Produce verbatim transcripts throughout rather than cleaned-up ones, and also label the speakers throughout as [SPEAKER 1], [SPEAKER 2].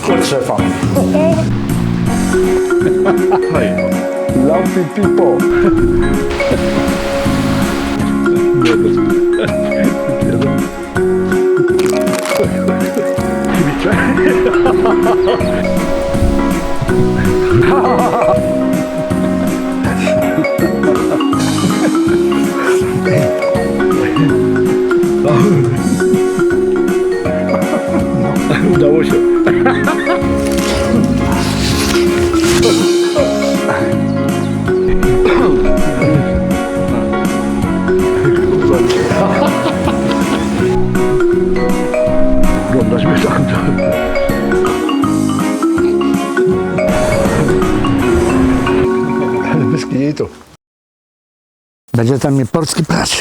[SPEAKER 1] Od szefa. Lumpy people.
[SPEAKER 2] Udało się. Oglądasz mnie tam.
[SPEAKER 1] Bez kitu. Będzie tam mnie polski prać.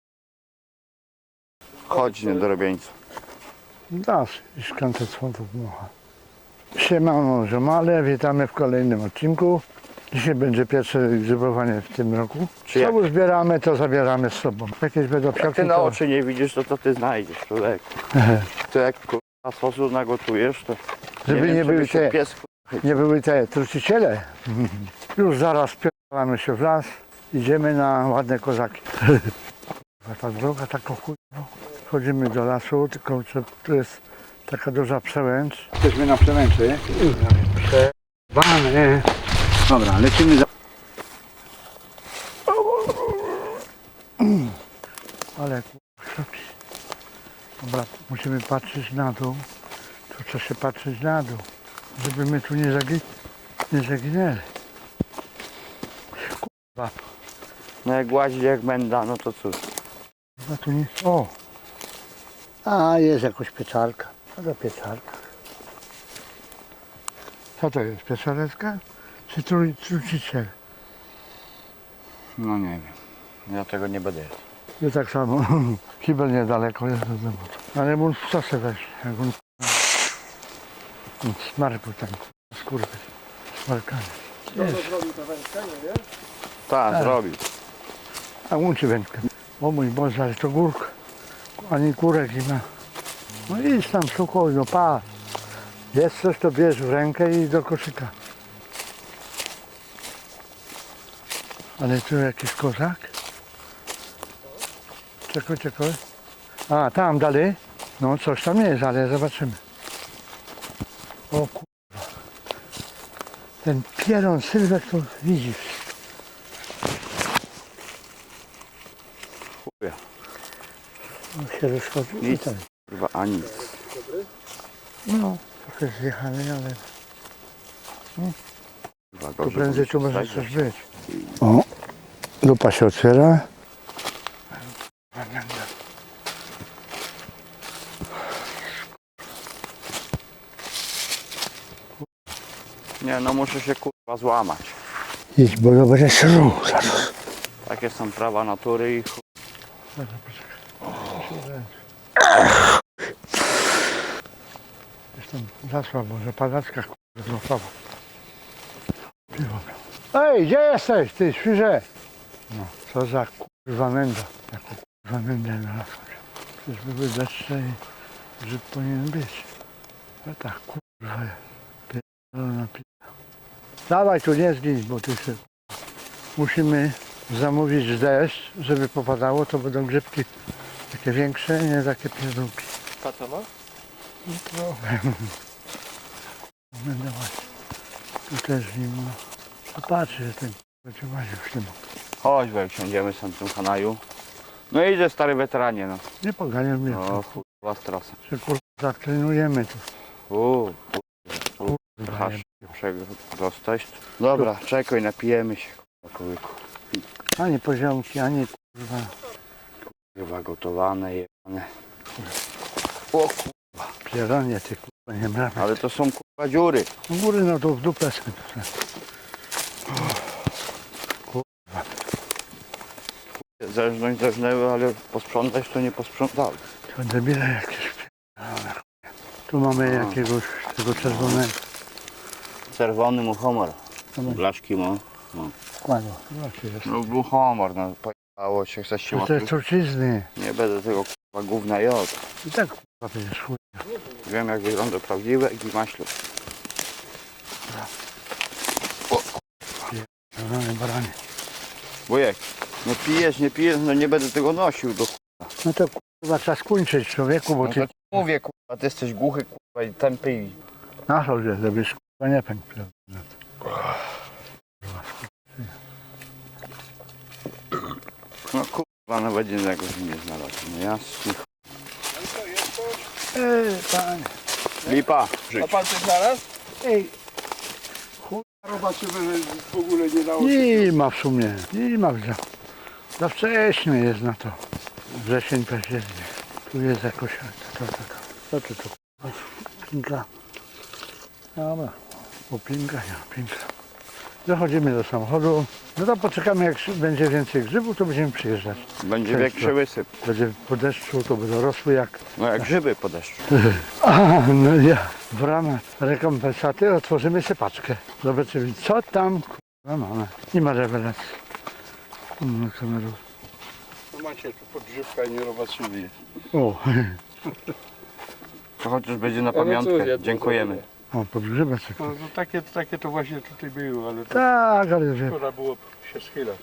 [SPEAKER 3] Chodź, niedorobieńcu.
[SPEAKER 1] Dasz i szklance słodów mocha. Siemano, ziomale, witamy w kolejnym odcinku. Dzisiaj będzie pierwsze grzybowanie w tym roku.
[SPEAKER 3] Czy
[SPEAKER 1] Co
[SPEAKER 3] jak?
[SPEAKER 1] uzbieramy, to zabieramy z sobą. Jakieś będą
[SPEAKER 3] Jak
[SPEAKER 1] psiaki,
[SPEAKER 3] ty na
[SPEAKER 1] to...
[SPEAKER 3] oczy nie widzisz, to co ty znajdziesz, człowieku? To jak kurwa sosu nagotujesz, to
[SPEAKER 1] Żeby
[SPEAKER 3] wiem,
[SPEAKER 1] nie
[SPEAKER 3] czy
[SPEAKER 1] były
[SPEAKER 3] by się
[SPEAKER 1] te-
[SPEAKER 3] pies kurwa,
[SPEAKER 1] Nie były te truciciele. Już zaraz pierdolamy się w las. Idziemy na ładne kozaki. Ta droga taka chuj. Wchodzimy do lasu, tylko że tu jest taka duża przełęcz. Jesteśmy na przełęczy. Przerwane. Dobra, lecimy za... Ale kurwa, dobra, musimy patrzeć na dół. Tu trzeba się patrzeć na dół, żeby my tu nie, zagi... nie zaginęli. Kurwa,
[SPEAKER 3] no jak łazi jak menda, no to cóż.
[SPEAKER 1] no tu nie... O! A, jest jakoś pieczarka. Co za pieczarka? Co to jest? Pieczareczka? Czy tru- truciciel?
[SPEAKER 3] No nie wiem, ja tego nie będę jadł.
[SPEAKER 1] I tak samo. Kibel niedaleko jest do domu. Ale mu w sosę weź. Jak on... Smarku tam, skórkę. Smarkanie.
[SPEAKER 3] Tak, zrobił.
[SPEAKER 1] A łączy wędkę. O mój Boże, ale to górka. Ani kurek nie ma. No idź tam spokojno, patrz. Jest coś, to bierz w rękę i do koszyka. Ale tu jakiś kozak. Czekaj, czekaj. A, tam dalej. No coś tam jest, ale zobaczymy. O kurwa. Ten pieron sylwek to widzi.
[SPEAKER 3] Chuja,
[SPEAKER 1] On się rozchodzi. i
[SPEAKER 3] Nic.
[SPEAKER 1] tak.
[SPEAKER 3] kurwa, a nic.
[SPEAKER 1] No, trochę zjechany, ale
[SPEAKER 3] Kurwa,
[SPEAKER 1] tu
[SPEAKER 3] gorzej
[SPEAKER 1] prędzej tu
[SPEAKER 3] powinno
[SPEAKER 1] może
[SPEAKER 3] się
[SPEAKER 1] coś
[SPEAKER 3] stać.
[SPEAKER 1] być. O, lupa się otwiera.
[SPEAKER 3] Nie, no muszę się kurwa złamać.
[SPEAKER 1] Idź, bo to będzie szru zaraz.
[SPEAKER 3] Takie są prawa natury i chuj.
[SPEAKER 1] Jestem za słabo, że padaczka kurwa złapała. Ej, gdzie jesteś, ty świrze? No, co za kurwa menda. Jaką kurwa mendę znalazłem. Przecież były deszcze i grzyb powinien być. No tak, kurwa, pierdolona pizza. Dawaj tu nie zgiń, bo ty się... Musimy zamówić deszcz, żeby popadało, to będą grzybki takie większe, nie takie pierdółki.
[SPEAKER 2] Tata ma?
[SPEAKER 1] No trochę. Będę właśnie. Tu też zimno. Zobaczcie, że ten będzie łaził w tym.
[SPEAKER 3] Chodź, bo jak siądziemy sam w tym kanaju. No idzie stary weteranie, no.
[SPEAKER 1] Nie poganiał mnie.
[SPEAKER 3] O kurwa strasa.
[SPEAKER 1] Że kurwa zatrenujemy tu.
[SPEAKER 3] Uuu,
[SPEAKER 1] Kurwa,
[SPEAKER 3] Hasz, przegostać. Dobra, czekaj, napijemy się, kurwa, kołyku.
[SPEAKER 1] ani poziomki, ani kurwa.
[SPEAKER 3] Kurwa, gotowane, jebane. O kurwa,
[SPEAKER 1] Pieronie ty kurwa nie mrawy.
[SPEAKER 3] ale to są kurwa dziury.
[SPEAKER 1] U góry no to w dupę sobie tu.
[SPEAKER 3] Zeżnąć zeżnęły, ale posprzątać to nie posprzątały.
[SPEAKER 1] To debile jakieś pierdolone. Tu mamy
[SPEAKER 3] A.
[SPEAKER 1] jakiegoś tego czerwonego.
[SPEAKER 3] Czerwony muchomor.
[SPEAKER 1] Zobacz,
[SPEAKER 3] Blaszki ma. No,
[SPEAKER 1] kładło. Zobaczcie, jest.
[SPEAKER 3] no muchomor, no pojechało się, chcesz się
[SPEAKER 1] To te
[SPEAKER 3] łapić.
[SPEAKER 1] trucizny.
[SPEAKER 3] Nie będę tego kurwa gówna jadł.
[SPEAKER 1] I tak to jest chuj.
[SPEAKER 3] Wiem jak wygląda prawdziwe i maślu.
[SPEAKER 1] Baranie, baranie.
[SPEAKER 3] Wujek, no pijesz, nie pijesz, no nie będę tego nosił do ch...
[SPEAKER 1] No to kurwa trzeba skończyć człowieku, bo
[SPEAKER 3] No
[SPEAKER 1] ty
[SPEAKER 3] to ci mówię kurwa, ty jesteś głuchy kurwa i tępy i...
[SPEAKER 1] na co, że żebyś kurwa nie pękł.
[SPEAKER 3] No kurwa, nawet jednego się nie znalazł. No jasny.
[SPEAKER 1] Ej, panie.
[SPEAKER 3] Lipa.
[SPEAKER 2] A pan coś znalazł?
[SPEAKER 1] Ej,
[SPEAKER 2] Zobaczymy, że w ogóle nie dało się.
[SPEAKER 1] nie ma w sumie, nie ma za, za wcześnie jest na to. Wrzesień, październik. Tu jest jakoś, to, to, to, to, to, to, to, pinka. Dobra, o pinka, nie, pinka. Dochodzimy do samochodu. No to poczekamy, jak będzie więcej grzybów, to będziemy przyjeżdżać.
[SPEAKER 3] Będzie
[SPEAKER 1] Cześć,
[SPEAKER 3] większy
[SPEAKER 1] to.
[SPEAKER 3] wysyp.
[SPEAKER 1] Będzie po deszczu, to będą rosły jak...
[SPEAKER 3] No jak grzyby po deszczu.
[SPEAKER 1] A, no ja w ramach rekompensaty otworzymy sypaczkę. Zobaczymy, co tam kurwa mamy. Nie ma rewelacji. No, kameru.
[SPEAKER 2] No macie tu podgrzewka i nie zobaczyli.
[SPEAKER 1] O,
[SPEAKER 3] To chociaż będzie na
[SPEAKER 2] no cóż,
[SPEAKER 3] pamiątkę.
[SPEAKER 2] ja to
[SPEAKER 3] Dziękujemy.
[SPEAKER 1] o podgrzebać.
[SPEAKER 2] No, no takie, takie to właśnie tutaj było, ale to
[SPEAKER 1] Tak, ale wie,
[SPEAKER 2] szkoda było się schylać.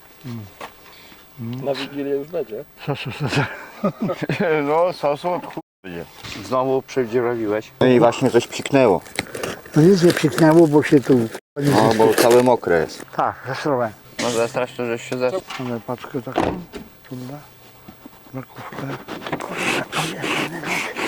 [SPEAKER 2] Na Wigilię już będzie?
[SPEAKER 1] co, co, co, co.
[SPEAKER 3] No sosu od chuj będzie. Znowu przewdzierowiłeś. No i właśnie coś psiknęło.
[SPEAKER 1] No nic nie przyknęło, bo się tu...
[SPEAKER 3] No bo całe mokre jest.
[SPEAKER 1] Tak, zesrałem.
[SPEAKER 3] No zastrasz to, żeś się zeszł.
[SPEAKER 1] Mamy paczkę taką, trudna, makówkę. Kurczę, o jest jednego.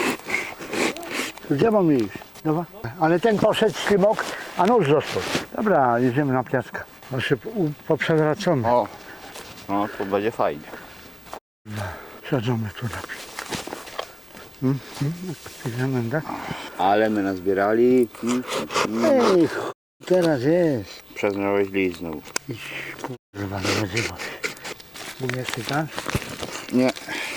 [SPEAKER 1] Gdzie mam iść? Dobra. Ale ten poszedł ślimok, a nóż został. Dobra, jedziemy na piaskę. Bo się u- poprzewracamy.
[SPEAKER 3] O, no to będzie fajnie.
[SPEAKER 1] Siedzimy tu na pi- Hmm? Hmm? Idziemy, tak?
[SPEAKER 3] Ale my nazbierali. Mm, mm.
[SPEAKER 1] Ej, ch... teraz jest.
[SPEAKER 3] Przeznałeś list znowu.
[SPEAKER 1] Idź, kurwa, do rodziny. Umiesz czytać?
[SPEAKER 3] Nie,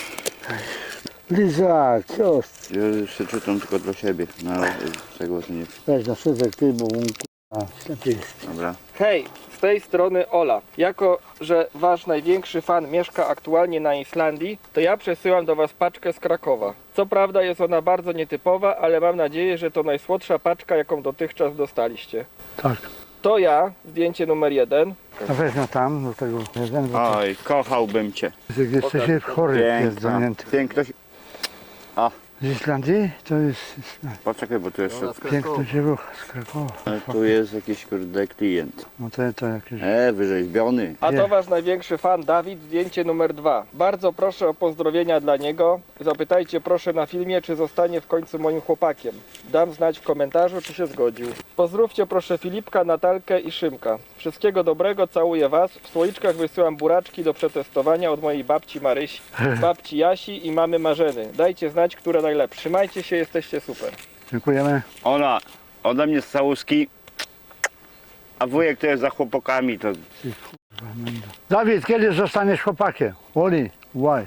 [SPEAKER 1] Liza, co?
[SPEAKER 3] ja już się czytam tylko dla siebie. No, z tego to nie.
[SPEAKER 1] Weź na szydek ty, bo on kurwa, statystyk.
[SPEAKER 3] Dobra.
[SPEAKER 4] Hej, z tej strony Ola. Jako, że wasz największy fan mieszka aktualnie na Islandii, to ja przesyłam do was paczkę z Krakowa. Co prawda jest ona bardzo nietypowa, ale mam nadzieję, że to najsłodsza paczka, jaką dotychczas dostaliście.
[SPEAKER 1] Tak.
[SPEAKER 4] To ja, zdjęcie numer jeden.
[SPEAKER 1] A weź na tam, do tego jeden, bo to
[SPEAKER 3] Oj, kochałbym cię.
[SPEAKER 1] jesteś chory, jest
[SPEAKER 3] Piękna.
[SPEAKER 1] zamknięty.
[SPEAKER 3] Piękność.
[SPEAKER 1] Z Islandii to jest Islandia.
[SPEAKER 3] Poczekaj, bo tu jeszcze.
[SPEAKER 1] Piękny dziewuch z Krakowa.
[SPEAKER 3] Tu jest jakiś kurde klient.
[SPEAKER 1] No to, to jakieś...
[SPEAKER 3] E, wyrzeźbiony.
[SPEAKER 4] A
[SPEAKER 1] Nie.
[SPEAKER 4] to wasz największy fan Dawid, zdjęcie numer dwa. Bardzo proszę o pozdrowienia dla niego. Zapytajcie proszę na filmie, czy zostanie w końcu moim chłopakiem. Dam znać w komentarzu, czy się zgodził. Pozdrówcie proszę Filipka, Natalkę i Szymka. Wszystkiego dobrego, całuję was. W słoiczkach wysyłam buraczki do przetestowania od mojej babci Marysi, babci Jasi i mamy Marzeny. Dajcie znać, które najlepsze. Trzymajcie się, jesteście super.
[SPEAKER 1] Dziękujemy.
[SPEAKER 3] Ola, ode mnie z całuski. A wujek to jest za chłopakami, to
[SPEAKER 1] Dawid, kiedy zostaniesz chłopakiem? Oli, why?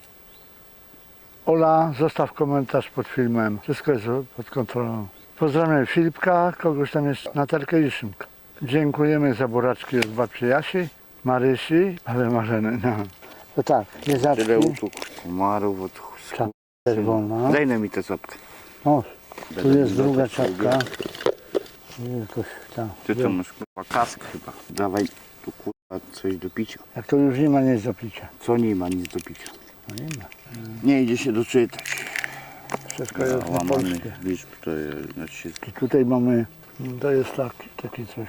[SPEAKER 1] Ola, zostaw komentarz pod filmem. Wszystko jest pod kontrolą. Pozdrawiam Filipka, kogoś tam jest Natalkę i Szymka. Dziękujemy za buraczki od babci Jasi, Marysi, ale Marzeny. No. To tak,
[SPEAKER 3] tyle
[SPEAKER 1] jezaczki,
[SPEAKER 3] usług. Komarów od
[SPEAKER 1] Czap- czerwona.
[SPEAKER 3] Daj nam mi tę czapkę.
[SPEAKER 1] O, tu
[SPEAKER 3] Będę
[SPEAKER 1] jest
[SPEAKER 3] miał
[SPEAKER 1] druga
[SPEAKER 3] to sobie.
[SPEAKER 1] czapka. Tu jakoś tam.
[SPEAKER 3] Ty to masz kurwa kask chyba. Dawaj tu kurwa coś do picia.
[SPEAKER 1] Jak to już nie ma nic do picia.
[SPEAKER 3] Co nie ma nic do picia.
[SPEAKER 1] No nie ma.
[SPEAKER 3] Nie idzie się doczytać.
[SPEAKER 1] Wszystko jest na
[SPEAKER 3] Łamany
[SPEAKER 1] polskie.
[SPEAKER 3] liczb to jest, znaczy się
[SPEAKER 1] I tutaj mamy, to jest taki, taki coś.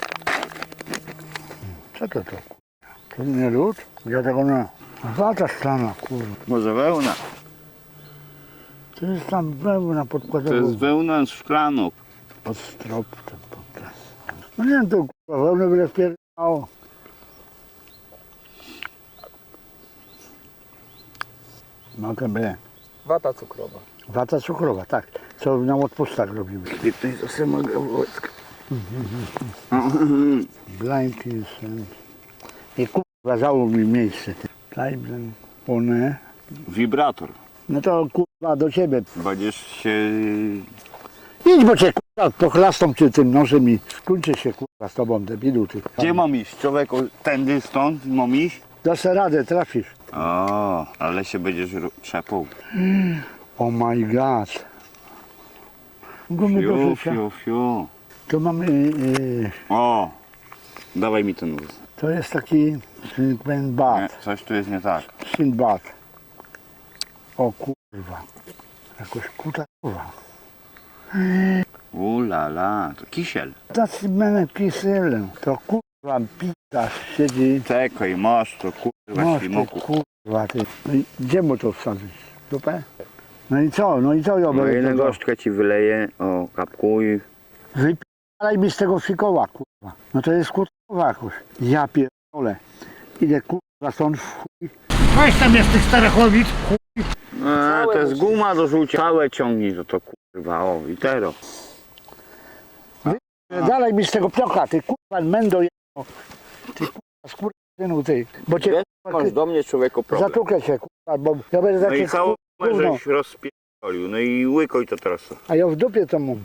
[SPEAKER 1] Co to to? To nie lód? Ja tego nie. Wata szklana, kurwa.
[SPEAKER 3] może wełna.
[SPEAKER 1] To jest tam wełna
[SPEAKER 3] To
[SPEAKER 1] podkładowa.
[SPEAKER 3] jest wełna z szklanów.
[SPEAKER 1] Pod strop ten podcast. No nie wiem, to kurwa, wełnę byle wpierdało. Mogę by.
[SPEAKER 4] Wata cukrowa.
[SPEAKER 1] Wata cukrowa, tak. Co na odpustach robimy.
[SPEAKER 3] Ty to sobie mogę wojska.
[SPEAKER 1] Blind is... I kurwa, zało mi miejsce. Tajblen, one.
[SPEAKER 3] Wibrator.
[SPEAKER 1] No to kurwa do ciebie.
[SPEAKER 3] Będziesz się...
[SPEAKER 1] Idź, bo cię kurwa pochlastą cię tym nożem i skończę się kurwa z tobą, debilu ty.
[SPEAKER 3] Gdzie mam iść? Człowieku, tędy stąd mam iść?
[SPEAKER 1] Dasz radę, trafisz.
[SPEAKER 3] O, ale się będziesz ru- trzepał.
[SPEAKER 1] Oh my god. Gumy do
[SPEAKER 3] Fiu,
[SPEAKER 1] życia.
[SPEAKER 3] fiu, fiu.
[SPEAKER 1] Tu mamy, y,
[SPEAKER 3] O! Dawaj mi ten nóż.
[SPEAKER 1] to jest taki
[SPEAKER 3] Nie,
[SPEAKER 1] Sinbad.
[SPEAKER 3] coś tu jest nie tak.
[SPEAKER 1] Sinbad. O kurwa. Jakoś kuta kurwa.
[SPEAKER 3] Ulala, to kisiel.
[SPEAKER 1] Tacy będę kiselem. To kurwa pita siedzi.
[SPEAKER 3] Czekaj, masz to kurwa
[SPEAKER 1] Masz ty
[SPEAKER 3] ślimoku.
[SPEAKER 1] kurwa ty. No i gdzie mu to wsadzić? Dupę? No i co? No i co ja
[SPEAKER 3] No
[SPEAKER 1] będę
[SPEAKER 3] ile
[SPEAKER 1] tego?
[SPEAKER 3] gorzczkę ci wyleję, o kapkuj.
[SPEAKER 1] Wypalaj mi z tego fikoła kurwa. No to jest kurwa jakoś. Ja pierdolę. Idę kurwa stąd w chuj. Weź tam jest tych Starachowic.
[SPEAKER 3] E, to jest guma do rzucia. Całe ciągnij to, to kurwa, o i tero.
[SPEAKER 1] Dalej mi z tego piocha, ty kurwa mendo jedno. Ty kurwa skurwysynu ty. Bo cię
[SPEAKER 3] Masz do mnie człowieku problem.
[SPEAKER 1] zatukę cię kurwa, bo ja będę
[SPEAKER 3] No i
[SPEAKER 1] taki
[SPEAKER 3] całą
[SPEAKER 1] gówno.
[SPEAKER 3] żeś rozpierdolił, no i łykoj to teraz.
[SPEAKER 1] A ja w dupie to mam.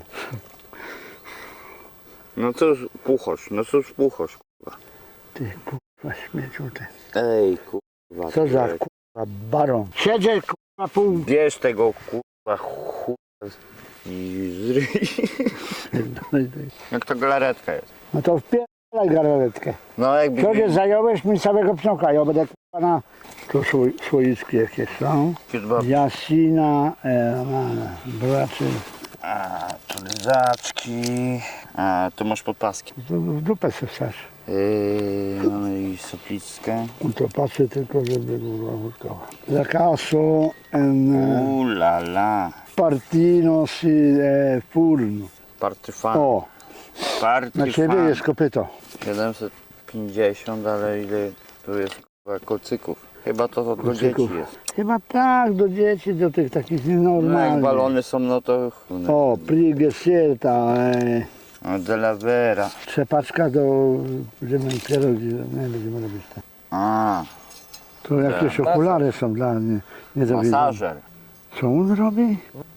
[SPEAKER 3] No cóż puchosz, no cóż puchosz.
[SPEAKER 1] Ty kurwa śmieciu ty.
[SPEAKER 3] Ej kurwa.
[SPEAKER 1] Co za
[SPEAKER 3] ty.
[SPEAKER 1] kurwa baron. Siedzę kurwa pół.
[SPEAKER 3] Bierz tego kurwa chuja i zryj. Jak to galaretka jest.
[SPEAKER 1] No to wpierdalaj garaletkę.
[SPEAKER 3] No jakby...
[SPEAKER 1] Wczoraj zająłeś mi całego pnioka, ja będę kurwa na... Tu słoi- słoiczki jakieś są. Jasina, e, braczy.
[SPEAKER 3] A, tu lizaczki. A, tu masz podpaski.
[SPEAKER 1] To w dupę se wsadź.
[SPEAKER 3] Yy, mamy i soplickę.
[SPEAKER 1] To patrzę tylko, żeby była wódkowa. La caso en
[SPEAKER 3] Ulala.
[SPEAKER 1] partino si e, furno.
[SPEAKER 3] Partyfan.
[SPEAKER 1] O, na ciebie
[SPEAKER 3] Partyfan.
[SPEAKER 1] jest kopyto.
[SPEAKER 3] siedemset pięćdziesiąt, ale ile tu jest kurwa, kocyków? Chyba to do
[SPEAKER 1] Kocyków.
[SPEAKER 3] dzieci jest.
[SPEAKER 1] Chyba tak, do dzieci, do tych takich
[SPEAKER 3] No jak
[SPEAKER 1] nienormalnych.
[SPEAKER 3] balony są, no to...
[SPEAKER 1] O, Prigesierta, e,
[SPEAKER 3] O, de la Vera.
[SPEAKER 1] trzepaczka do... Będziemy pierogi, nie będziemy robić tak.
[SPEAKER 3] A,
[SPEAKER 1] To jakieś okulary są dla mnie, nie do widzenia.
[SPEAKER 3] masażer.
[SPEAKER 1] Co on robi?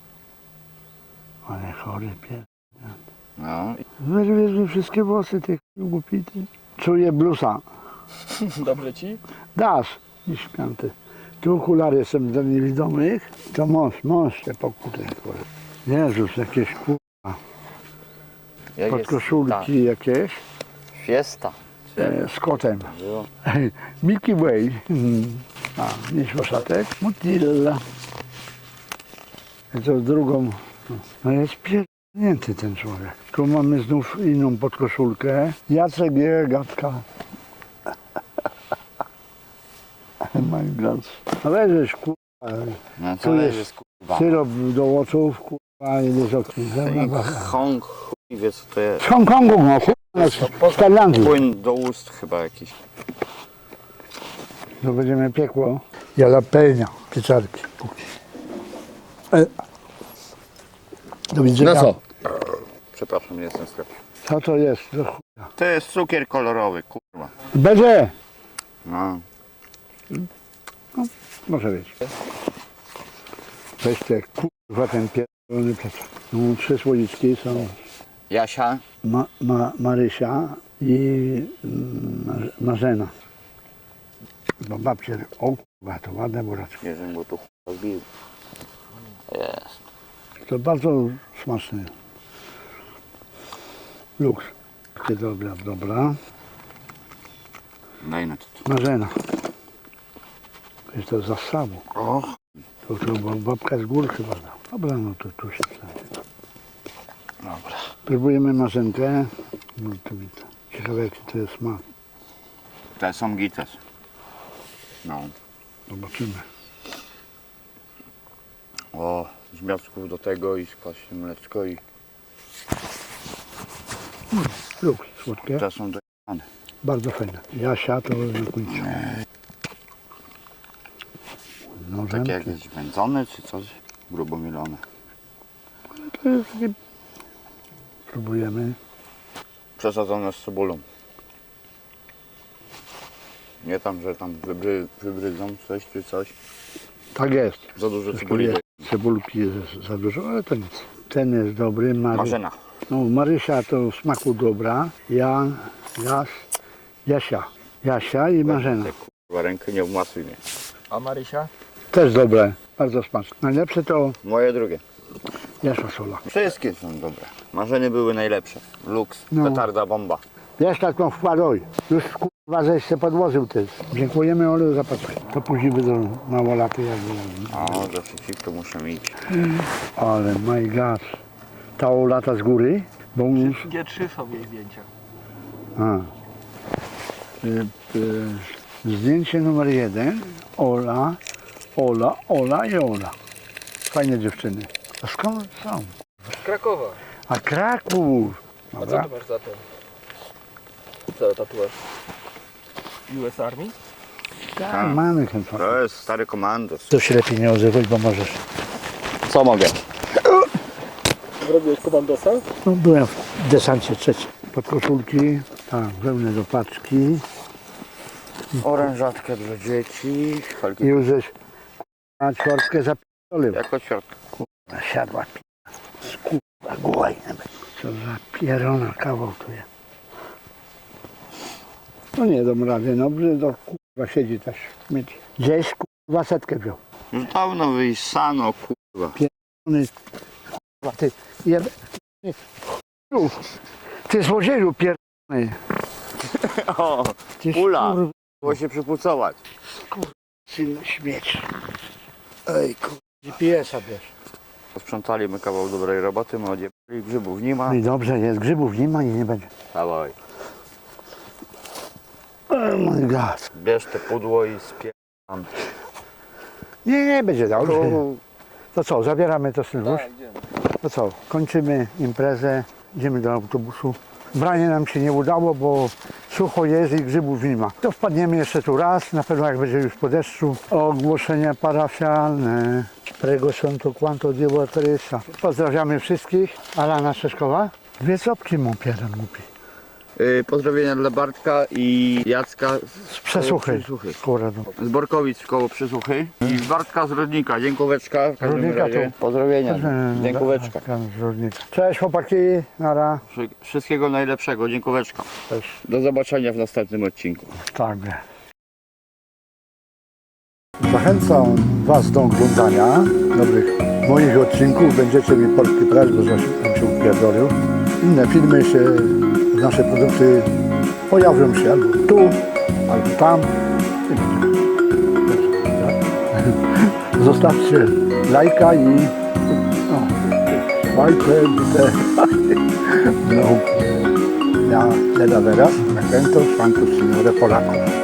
[SPEAKER 1] Ale chory pies.
[SPEAKER 3] No.
[SPEAKER 1] Wyrwiesz mi wszystkie włosy, tych głupity. Czuję blusa.
[SPEAKER 4] Dobrze ci?
[SPEAKER 1] Dasz, i śpiąty. Tu okulary są dla niewidomych. To mąż, mąż się pokutę. Jezus, jakieś kurwa.
[SPEAKER 3] Jak
[SPEAKER 1] Podkoszulki jakieś.
[SPEAKER 3] Fiesta.
[SPEAKER 1] E, z kotem.
[SPEAKER 3] Było.
[SPEAKER 1] Milky Way. Mhm. A, nie szoszatek. Motilla. I to drugą. No jest pierdolnięty ten człowiek. Tu mamy znów inną podkoszulkę. Jacek je, gadka. My God. No weź kurwa.
[SPEAKER 3] No
[SPEAKER 1] Tu
[SPEAKER 3] to
[SPEAKER 1] jest
[SPEAKER 3] jest kurwa.
[SPEAKER 1] Syrop do oczów, kurwa, i do okni.
[SPEAKER 3] I Hong, chuj wie co to jest.
[SPEAKER 1] Z Hongkongu, no kurwa, z Tajlandii.
[SPEAKER 3] Płyn do ust chyba jakiś.
[SPEAKER 1] To będziemy piekło. Jalapenia, pieczarki. Póki. E. Do widzenia.
[SPEAKER 3] No co? Przepraszam, nie jestem w sklepie.
[SPEAKER 1] Co to jest? Do chuja.
[SPEAKER 3] To jest cukier kolorowy, kurwa.
[SPEAKER 1] Będzie!
[SPEAKER 3] No.
[SPEAKER 1] Może być. Weź te kurwa ten pierdolony plecak. No, trzy słoiczki są.
[SPEAKER 3] Jasia?
[SPEAKER 1] Ma, ma, Marysia i mm, Marzena. Bo babcie, o kurwa, to ładne buraczki.
[SPEAKER 3] Nie wiem, bo tu chuj zbił. Jest.
[SPEAKER 1] To bardzo smaczne. Luks. Takie dobra, dobra.
[SPEAKER 3] Daj na to.
[SPEAKER 1] Marzena. Jest to z zasabu.
[SPEAKER 3] O.
[SPEAKER 1] To, to bo babka z gór chyba dał. Dobra, no to tu się wstanie.
[SPEAKER 3] Dobra.
[SPEAKER 1] Próbujemy marzenkę. No to widzę. Ciekawe jaki to jest smak.
[SPEAKER 3] Te są gites. No.
[SPEAKER 1] Zobaczymy.
[SPEAKER 3] O, z miastków do tego i skłaśnie mleczko i
[SPEAKER 1] Luks, słodkie.
[SPEAKER 3] te są do...
[SPEAKER 1] Bardzo fajne. Jasia to na końcu.
[SPEAKER 3] Takie
[SPEAKER 1] Nożem.
[SPEAKER 3] jakieś wędzone czy coś? Grubo mielone.
[SPEAKER 1] To jest takie... Próbujemy.
[SPEAKER 3] Przesadzone z cebulą. Nie tam, że tam wybry, wybrydzą coś czy coś.
[SPEAKER 1] Tak jest.
[SPEAKER 3] Za dużo
[SPEAKER 1] Troszkę
[SPEAKER 3] cebuli.
[SPEAKER 1] jest. Cebulki jest za dużo, ale to nic. Ten jest dobry. Mary...
[SPEAKER 3] Marzena.
[SPEAKER 1] No, Marysia to w smaku dobra. Ja, Jas, Jasia. Jasia i Marzena.
[SPEAKER 3] Te kurwa rękę nie wmasuj mnie.
[SPEAKER 4] A Marysia?
[SPEAKER 1] Też dobre, bardzo smaczne. Najlepsze to
[SPEAKER 3] Moje drugie.
[SPEAKER 1] jest fasola.
[SPEAKER 3] Wszystkie są dobre. Marzenie były najlepsze. Luks,
[SPEAKER 1] No.
[SPEAKER 3] petarda, bomba.
[SPEAKER 1] Wiesz taką wkładoj. Już kurwa żeś się podłożył też. Dziękujemy Olu za paczkę. To później będą mało laty jakby.
[SPEAKER 3] O, do przeciwko muszę iść.
[SPEAKER 1] Ale my god. Ta lata z góry, bo już...
[SPEAKER 4] G trzy są jej zdjęcia.
[SPEAKER 1] A. Y, y, zdjęcie numer jeden. Ola, Ola, Ola i Ola. Fajne dziewczyny. A skąd są?
[SPEAKER 4] Z Krakowa.
[SPEAKER 1] A Kraków.
[SPEAKER 4] A co
[SPEAKER 1] Dobra.
[SPEAKER 4] tu masz za ten? Co tatuaż? U S Army?
[SPEAKER 1] Tak, mamy ten fan.
[SPEAKER 3] To jest stary komandos.
[SPEAKER 1] To się lepiej nie odzywaj, bo możesz.
[SPEAKER 3] Co mogę?
[SPEAKER 4] Zrobiłeś komandosa?
[SPEAKER 1] No, byłem w desancie trzecim. Podkoszulki, tak, wełnę do paczki.
[SPEAKER 3] Orężatkę dla dzieci.
[SPEAKER 1] I
[SPEAKER 3] Felki
[SPEAKER 1] już żeś na czwartkę zapierdolił.
[SPEAKER 3] jako ćwiartka.
[SPEAKER 1] Siadła p***a. Skurwa głajne. Co za pierona kawał tu jest. No nie dam rady, no to kurwa siedzi też w śmieci. Gdzieś kurwa setkę wziął.
[SPEAKER 3] Już dawno wyjsano, kurwa.
[SPEAKER 1] Ony, kurwa ty jebe... Ty, chuju, ty złodzieju pierdolony.
[SPEAKER 3] O,
[SPEAKER 1] Ty
[SPEAKER 3] Ula.
[SPEAKER 1] kurwa
[SPEAKER 3] było się przypucować.
[SPEAKER 1] syn śmieć. Ej kurwa, G P S-a bierz.
[SPEAKER 3] Posprzątaliśmy kawał dobrej roboty, my odjebali, grzybów nie ma.
[SPEAKER 1] No i dobrze jest, grzybów nie ma i nie będzie.
[SPEAKER 3] Dawaj,
[SPEAKER 1] Oh my god.
[SPEAKER 3] bierz te pudło i spierdam.
[SPEAKER 1] Nie, nie będzie dobrze.
[SPEAKER 3] Tu
[SPEAKER 1] To co, zabieramy to Sylwusz?
[SPEAKER 4] Tak, idziemy.
[SPEAKER 1] To co, kończymy imprezę, idziemy do autobusu. Branie nam się nie udało, bo sucho jest i grzybów nie ma. To wpadniemy jeszcze tu raz, na pewno jak będzie już po deszczu. Ogłoszenia parafialne. Prego Santo Quanto Dio Teresa. Pozdrawiamy wszystkich. Alana Szeszkowa. Dwie copki mu pieran głupi.
[SPEAKER 3] Yy, pozdrowienia dla Bartka i Jacka
[SPEAKER 1] Z Przesuchy.
[SPEAKER 3] Przesuchy.
[SPEAKER 1] Kurde.
[SPEAKER 3] Z Borkowic koło Przesuchy i Bartka z Rodnika, dziękóweczka. W każdym
[SPEAKER 1] Rodnika
[SPEAKER 3] razie.
[SPEAKER 1] tu.
[SPEAKER 3] Pozdrowienia, dziękóweczka.
[SPEAKER 1] Cześć chłopaki, nara.
[SPEAKER 3] Wszy- Wszystkiego najlepszego, dziękóweczka.
[SPEAKER 1] Cześć.
[SPEAKER 3] Do zobaczenia w następnym odcinku.
[SPEAKER 1] Tak. Zachęcam Was do oglądania dobrych moich odcinków. Będziecie mi polski press, bo zaś tam się upierdolił. Inne filmy się, nasze produkty pojawią się albo tu, albo tam. Zostawcie lajka i no, łajkę, te, no, ja le da veras, me cuento, cuantos signore Polaków.